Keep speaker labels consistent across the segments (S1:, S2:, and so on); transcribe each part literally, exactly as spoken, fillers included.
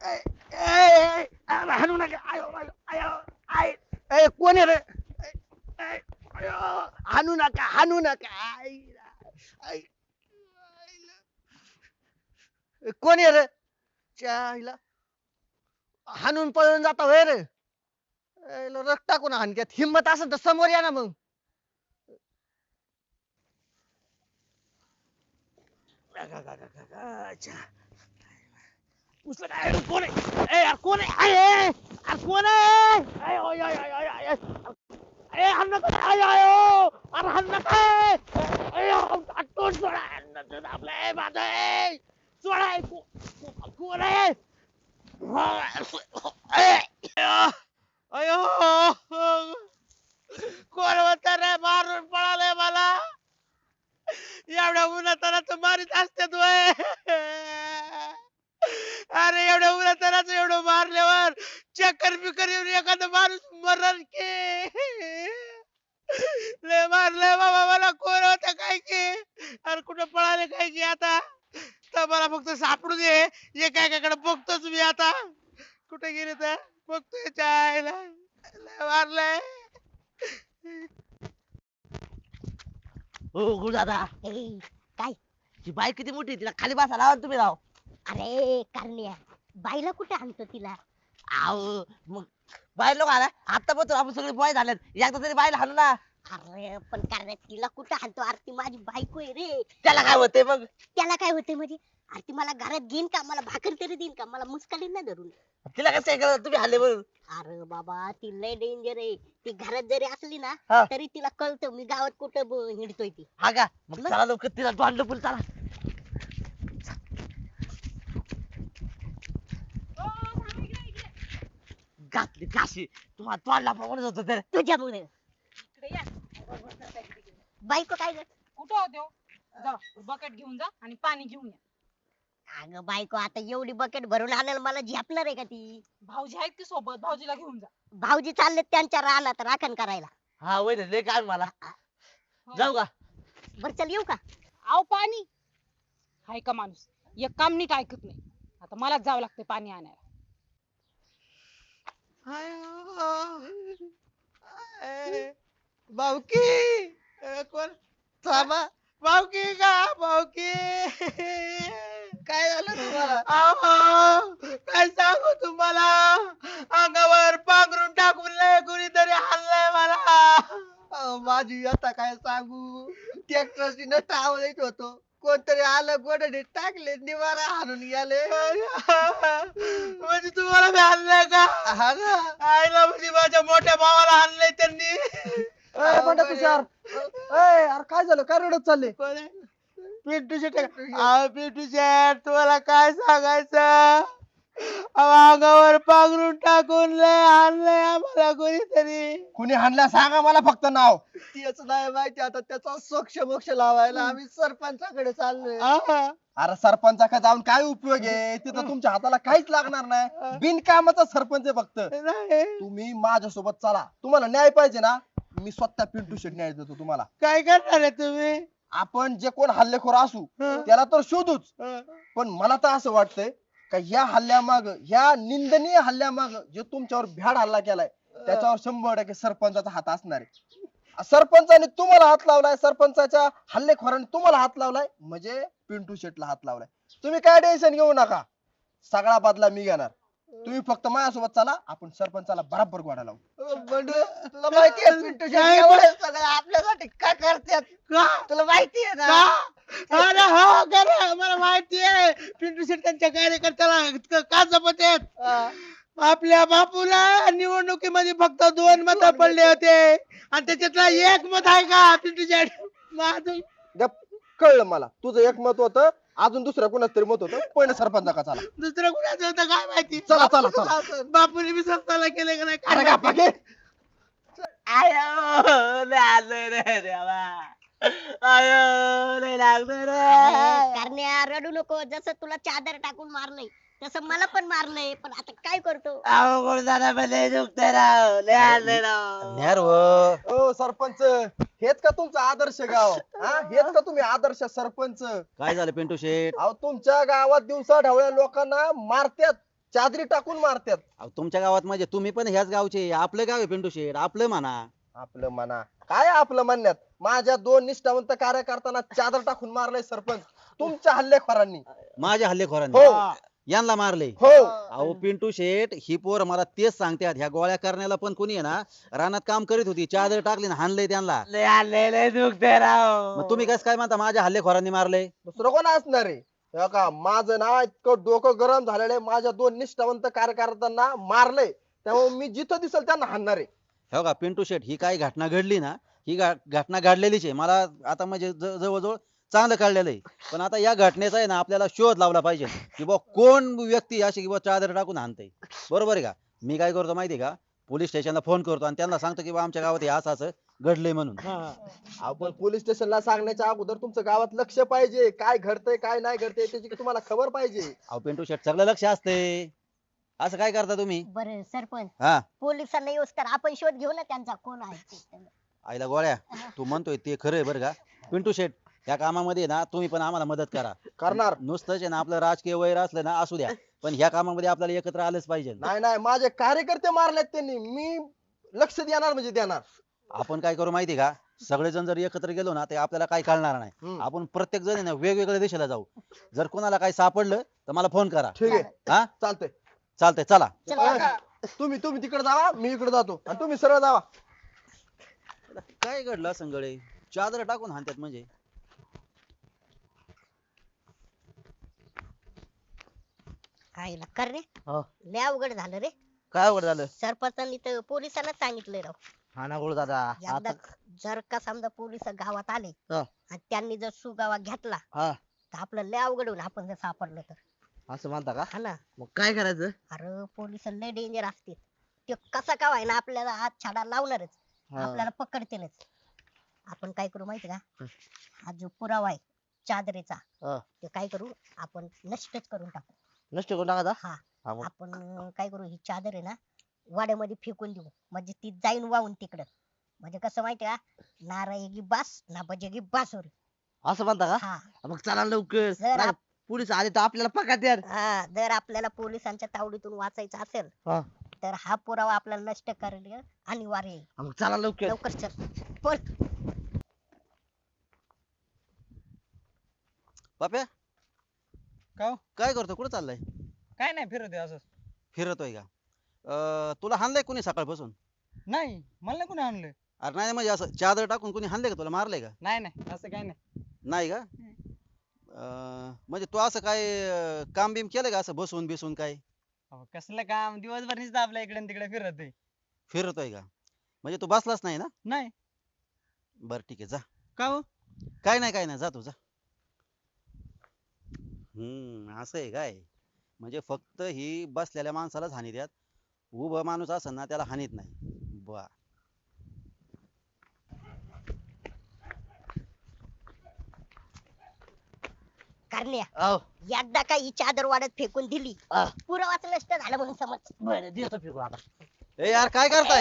S1: ए, ए, अरे हाणू नका आयो आयो आयो आय ए कोण आहे रे ए, ए, आयो, हाणू नका हाणू नका आय, आय, आईला. ए, कोण आहे रे चायला हाणून पळून जाता होय रे याला रक्त टाकून हाणक्यात हिंमत असेल तर समोर या ना मग अच्छा. उचल काय अरे कोण आहे ए यार कोण आहे आय ए, अरे कोण आहे आय ओय ओय ओय ओय ओय. ए हाण नका आय आय ओ. अरे हाण नका ए आटोन सोडा हाण आपलं माझं ए सोडा ए, को- को- कोण आहे ए, अयो कोण होता रे मारून पळाले मला एवढ्या उन्हातानाच मारीत असतात वय अरे एवढ्या उन्हातानाच एवढं मारल्यावर चक्कर बिकर येऊन एखादा माणूस मरण के लय मारलंय बाबा मला कोण होतं काय की अरे कुठं पळाले काय की आता तर मला फक्त सापडू दे एकाकडे बघतोच मी आता कुठे गेले तर बघतोय चायला लय मारलंय
S2: हो गुरुदादा
S3: ए, काय
S2: ती बाई किती मोठी आहे, तिला खाली बसा लावा ना तुम्ही राव.
S3: अरे करण्या बाईला कुठे आणतो तिला
S2: आहो मग बाहेर लोक आला आता पण आपण सगळे बॉय झालेत एकदा तरी बाईला हाणू ना.
S3: अरे पण करण्या तिला कुठे आणतो अरे ती माझी बायको आहे रे
S2: त्याला काय होते मग
S3: त्याला काय होते म्हणजे अरे ती मला घरात घेईन का मला भाकर तरी देईन का मला मुस्कालीन ना धरून
S2: तिला कसं काय करत तुम्ही हल्ले मग.
S3: अरे बाबा ती लय डेंजर आहे ती घरात जरी असली ना
S2: हा.
S3: तरी तिला कळतं मी गावात कुठं ब- हिंडतोय ती
S2: हा का मग
S3: मग?
S2: चला लवकर तिला तोंड फुल चला. घातली काशी तुम्हाला तोंडला म्हणत होतो तर
S3: तुझ्यामुळे
S4: इकडे या
S3: बायको काय ग
S4: कुठं होते हो जा बकेट घेऊन जा आणि पाणी घेऊन या
S3: अगं बायको आता एवढी बकेट भरून आणायला मला झेपणार आहे का ती
S4: भाऊजी आहेत की सोबत भाऊजीला घेऊन जा
S3: भाऊजी चालले त्यांच्या रानात राखण करायला
S2: हा वय लय काय मला
S4: हो.
S2: जाऊ का
S3: बर चल येऊ का
S4: आव पाणी हाय का माणूस एक काम नीट ऐकत नाही आता मलाच जावं लागते पाणी आणायला
S1: भाऊकी अ, कोण थांबा भाऊकी का भाऊकी काय झालं तुम्हाला अहो, काय सांगू तुम्हाला अंगावर पांघरून टाकून लय कुणीतरी हल्लंय मला अहो, माझी आता काय सांगू ट्रॅक्टरची नट आवडत होतो कोणतरी आलं गोडडे टाकले निवारा हाणून गेले म्हणजे तुम्हाला मी हाणलंय का हा ना आईला म्हणजे माझ्या मोठ्या भावाला हाणलंय त्यांनी
S5: ए बंडा तुषार ए यार काय झालं काय रडत चालले
S1: कोण आहे? पिंटू शेट अहो पिंटू शेट तुम्हाला काय सांगायचं अहो, अंगावर पांघरून टाकून लय आणलंय आम्हाला कोणीतरी
S5: कुणी हाणला सांगा मला फक्त नाव
S1: तेच नाही माहिती आता त्याचा सोक्ष मोक्ष लावायला आम्ही सरपंचाकडे चाललोय आहा.
S5: अरे सरपंचाकडे जाऊन काय उपयोग आहे तिथं तुमच्या हाताला काहीच लागणार नाही बिनकामाचा सरपंच आहे फक्त
S1: नाही.
S5: तुम्ही माझ्यासोबत चला तुम्हाला न्याय पाहिजे ना मी स्वतः पिंटू शेट न्याय देतो तुम्हाला
S1: काय करणार आहे तुम्ही
S5: आपण जे कोण हल्लेखोर असू
S1: हं.
S5: त्याला तर शोधूच
S1: हं.
S5: पण मला तर असं वाटतंय का ह्या हल्ल्यामाग ह्या निंदनीय हल्ल्यामाग जे तुमच्यावर भ्याड हल्ला केलाय त्याच्यावर शंभर टक्के सरपंचाचा हात असणार आहे सरपंचाने तुम्हाला हात लावलाय सरपंचाच्या हल्लेखोराने तुम्हाला हात लावलाय म्हणजे पिंटू शेटला हात लावलाय तुम्ही काय टेन्शन घेऊ नका सगळा बदला मी घेणार तुम्ही फक्त माझ्यासोबत चला आपण सरपंचाला बराबर गोडा लावू
S1: बंडू तुला माहिती आहे पिंटू शेट एवढं सगळं आपल्यासाठी काय करतात तुला माहिती आहे ना अरे हो खरं मला माहिती आहे पिंटू शेट त्यांच्या कार्यकर्त्याला क- का जपत आहेत आपल्या बापूला निवडणुकीमध्ये फक्त दोन मत पडले होते आणि त्याच्यातला एक मत आहे का पिंटू शेट माझं
S5: गप, कळलं मला तुझं एक मत होतं अजून दुसऱ्या कोणाच तरी मत होतं पण सरपंचा का चला
S1: दुसरं कुणाचं होतं काय माहिती
S5: चला, चला, चला.
S1: बापूने मी स्वतःला केलं का नाही
S5: अरे
S1: काय
S5: गप्पा घे.
S2: आयो लय आलोय रे देवा आयो लय लागलं रे
S3: करण्या रडू नको जसं तुला चादर टाकून मारलंय तसं मला पण मारलंय पण आता काय करतो
S2: अहो गुरुदादा पण लय दुखतंय राव लय आलोय राव
S5: ओ सरपंच हेच का तुमचं आदर्श गाव हा हेच का तुम्ही आदर्श सरपंच
S6: काय झालं पिंटू शेठ
S5: अहो तुमच्या गावात दिवसा ढवळ्या लोकांना मारत्यात चादरी टाकून मारतात.
S6: अहो, तुमच्या गावात म्हणजे तुम्ही पण ह्याच गावचे, आपलं गाव आहे पिंटू शेठ, आपलं म्हणा.
S5: आपलं म्हणा काय आपलं म्हणण्यात, माझ्या दोन निष्ठावंत कार्यकर्त्यांना चादर टाकून मारलंय सरपंच तुमच्या हल्लेखोरांनी.
S6: माझ्या हल्लेखोरांनी
S5: हो
S6: यांना मारले.
S5: हो
S6: अहो पिंटू शेठ, ही पोर मला तेच सांगतात, ह्या गोळ्या करण्याला पण कोणी आहे ना रानात काम करीत होती, चादर टाकली ना हाणलंय त्यांना.
S2: लय आले लय दुखते राव.
S6: मग तुम्ही कसं काय म्हणता माझ्या हल्लेखोरांनी मारले?
S5: दुसरं कोण असणार आहे? हे का माझं ना इतकं डोकं गरम झालेलं आहे, माझ्या दोन निष्ठावंत कार्यकर्त्यांना मारलंय, त्यामुळे मी जिथं दिसल त्यांना हाणणार आहे.
S6: हो का पिंटू शेठ, ही काही घटना घडली ना, ही गा- घटना घडलेलीच आहे. मला आता म्हणजे ज- जवळजवळ चांगलं कळलेलं आहे. पण आता या घटनेचा आहे ना आपल्याला शोध लावला पाहिजे की बा कोण व्यक्ती अशी की बा चादर टाकून हाणते. बरोबर आहे का? मी काय करतो माहिती आहे का, पोलीस स्टेशनला फोन करतो आणि त्यांना सांगतो की बा आमच्या गावात हे असं असं घडलंय म्हणून.
S5: आपण पोलीस स्टेशनला सांगण्याच्या अगोदर तुमचं गावात लक्ष पाहिजे, काय घडतंय काय नाही घडतंय त्याची तुम्हाला खबर पाहिजे.
S6: अहो पिंटू शेठ, सगळं लक्ष असते. असं काय करता तुम्ही?
S3: बरं सरपंच,
S6: हा
S3: पोलिसांना येऊस तर आपण शोध घेऊ ना त्यांचा कोण आहे ते.
S6: आईला गोळ्या, तू म्हणतोय ते खरं आहे बरं का पिंटू शेठ. या कामामध्ये ना तुम्ही पण आम्हाला मदत करा.
S5: करणार
S6: नुसतंच आहे ना आपलं राजकीय वैर असलं ना असू द्या, पण ह्या कामामध्ये आपल्याला एकत्र आलंच पाहिजे.
S5: नाही नाही, माझे कार्यकर्ते मारलेत त्यांनी, मी लक्ष देणार म्हणजे देणार.
S6: आपण काय करू माहिती का, सगळेजण जर एकत्र गेलो ना ते आपल्याला काही कळणार नाही.
S5: हम्म.
S6: आपण प्रत्येक जण आहे ना वेगवेगळ्या दिशेला जाऊ. जर कोणाला काही सापडलं तर मला फोन करा.
S5: ठीक आहे
S6: हा
S5: चालतंय.
S6: चालतंय, चला.
S3: चला.
S5: तुम्ही तुम्ही तिकडे जावा, मी इकडे जातो आणि तुम्ही सरळ जावा.
S6: काय घडलं संगळे, चादर टाकून हाणतात म्हणजे?
S3: आईला कर रे,
S2: हो.
S3: लय अवघड झालं रे.
S2: काय अवघड झालं?
S3: सरपंचांनी तर पोलिसांना सांगितलंय राव.
S2: हा ना गुरु दादा.
S3: एकदा
S2: आता
S3: जर का समजा पोलिस गावात आले
S2: हा.
S3: आणि त्यांनी जर सुगावा घेतला
S2: हा
S3: तर आपलं लय अवघड होईल, आपण जर सापडलं तर.
S2: असं म्हणता का?
S3: हा ना.
S2: मग काय करायचं?
S3: अरे पोलिस लय डेंजर असते, ते कसा का व्हायना आपल्याला हात छाडा लावणारच,
S2: हा.
S3: आपल्याला पकडतीलच. आपण काय करू माहिती का, हा जो पुरावा आहे चादरीचा,
S2: हा.
S3: ते काय करू आपण नष्टच करून टाकू.
S2: नष्ट करून टाका.
S3: हा.
S2: हा मग
S3: आपण अं, काय करू, ही चादर आहे ना वाड्यामध्ये फेकून देऊ, म्हणजे ती जाईन वाहून तिकडं. म्हणजे कसं माहिती का, ना रायगी बास ना बजेगी बास होईल.
S2: असं म्हणता का?
S3: हा.
S2: मग चला लवकर.
S3: जर
S2: नाही,
S3: आप-
S2: पोलीस आले तर आपल्याला पकडतात.
S3: हा जर आपल्याला पोलिसांच्या तावडीतून वाचायचं असेल
S2: हा.
S3: तर हा पुरावा आपल्याला नष्ट करणं अनिवार्य आहे.
S2: मग चला लवकर.
S3: लवकर चल बोल.
S6: बाप्या,
S1: का हो?
S6: काय करतो, कुठं चाललाय?
S1: काय नाही, फिरत आहे असं.
S6: फिरतोय का? अं, तुला हाणलंय कोणी सकाळपासून?
S1: नाही, मला नाही कोणी आणलं.
S6: अरे नाही म्हणजे असं चादर टाकून कोणी हाणलंय का तुला, मारलंय का?
S1: नाही नाही, असं काय नाही.
S6: नाही का? अं, म्हणजे तू असं काय अं, काम बिम केलं का असं बसून बिसून काय?
S1: अहो, कसलं काम, दिवसभर नुसतं आपल्या इकडे तिकडे फिरत आहे.
S6: फिरतोय का? म्हणजे तू बसलाच नाही ना?
S1: नाही.
S6: बर ठीक आहे, जा.
S1: का हो?
S6: काय नाही काय नाही, जा तू जा. हम्म असं आहे काय? म्हणजे फक्त ही बसलेल्या माणसालाच हानी द्यात, उभा माणूस असेल ना त्याला हानीत नाही. बर.
S3: करण्या,
S2: अहो,
S3: एकदा का ही चादर वाड्यात फेकून दिली,
S2: हा.
S3: पुरावाच नष्ट झालं म्हणून समज.
S2: बरं देतो फिरून आता.
S6: ए यार, काय करताय?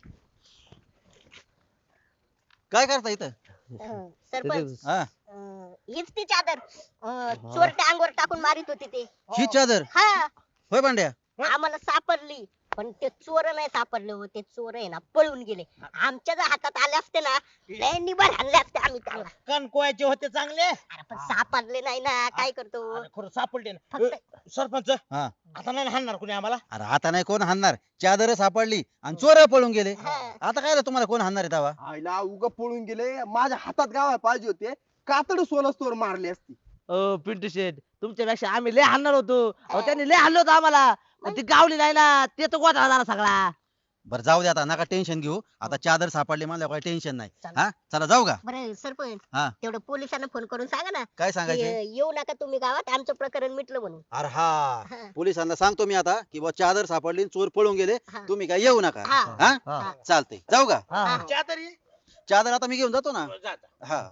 S6: काय करताय इथं?
S3: अं, सरपंच,
S6: हा,
S3: अं, हीच ती चादर अं, चोरट्या अंगावर टाकून मारित होती ते.
S6: ही चादर
S3: हा.
S6: होय भांड्या?
S3: आम्हाला सापडली, पण ते चोर नाही सापडले हो, ते चोर आहे ना पळून गेले. आमच्या जर हातात आले असते ना, लय निभार आणले असते आम्ही त्यांना.
S7: कणकोयाचे होते चांगले.
S3: अरे पण सापडले नाही ना, काय करतो.
S7: अरे खरं सापडले ना.
S3: फक्त
S7: ए, सरपंच
S6: हा.
S7: आता नाही हाणणार कोणी आम्हाला.
S6: अरे आता नाही कोण हाणणार, चादर सापडली आणि चोर पळून गेले.
S3: हा.
S6: आता काय रे, तुम्हाला कोण हाणणार आहे तवा?
S5: आईला उगा पळून गेले, माझ्या हातात गावा पाहिजे होते, कातड सोनं स्टोर मारली असती.
S2: अ पिंटू शेठ, तुमच्यापेक्षा आम्ही लय हाणणार होतो. अहो त्यांनी लय हाणलं होतं आम्हाला, पण ती गावली नाही ना, ते तर गोठा झाला सगळा.
S6: बरं जाऊ दे, आता नका टेन्शन घेऊ. आता चादर सापडली मला काही टेन्शन नाही.
S3: चला.
S6: हा चला जाऊ का?
S3: बरं सरपंच,
S6: हा.
S3: तेवढं पोलिसांना फोन करून सांगा ना
S6: काय
S3: की,
S6: सांगायचे?
S3: अं, येऊ नका तुम्ही गावात, आमचं प्रकरण मिटलं म्हणून.
S6: अरे हा,
S3: हा.
S6: पोलिसांना सांगतो मी आता की बा चादर सापडली, चोर पळून गेले,
S3: हा.
S6: तुम्ही काय येऊ नका.
S3: हा.
S6: हा
S2: हा.
S6: चालतंय, जाऊ का?
S2: हा.
S3: हा.
S7: चादर ये.
S6: चादर आता मी घेऊन जातो ना.
S7: जा, जा.
S6: हा.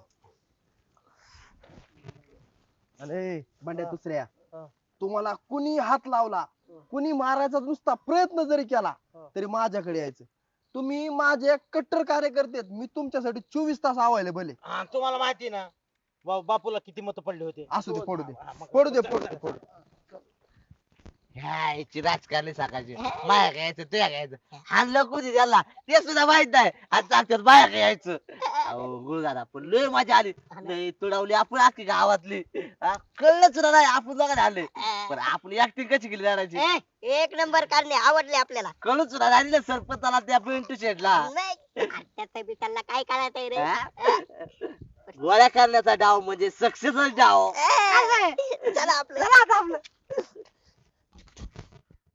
S5: अरे बंड्या दुसऱ्या,
S2: हा.
S5: तुम्हाला कुणी हात लावला, कुणी मारायचा नुसता प्रयत्न जरी केला
S2: हा.
S5: तरी माझ्याकडे यायचं. तुम्ही माझे कट्टर कार्यकर्ते आहेत, मी तुमच्यासाठी चोवीस तास अवेलेबल आहे.
S7: हा, तुम्हाला माहिती ना बा- बापूला किती मत पडले होते.
S5: असू दे, पडू दे
S7: हा, मग-
S5: पडू दे पडू दे पडू दे.
S2: ह्याची राजकारणी सकाळची माया घ्यायचं तुया घ्यायचं हाणलं कुठे त्याला ते सुद्धा माहित नाही आणि चालतात बाया घ्यायचं अहो गुरुदादा पण लय मजा आली लय तुडवली आपण अख्खी गावातली हा, कळलं सुद्धा नाही आपण दोघं आले पण आपली ऍक्टिंग कशी केली जाण्याची
S3: ए, एक नंबर काढणे आवडले आपल्याला
S2: कळून सुद्धा नाही ना सरपंचाला त्या पिंटू शेटला
S3: नाही त्याचं बी त्यांना काय करायचंय रे
S2: गोळ्या करण्याचा डाव म्हणजे सक्सेसच डाव
S3: ए, चला आपलं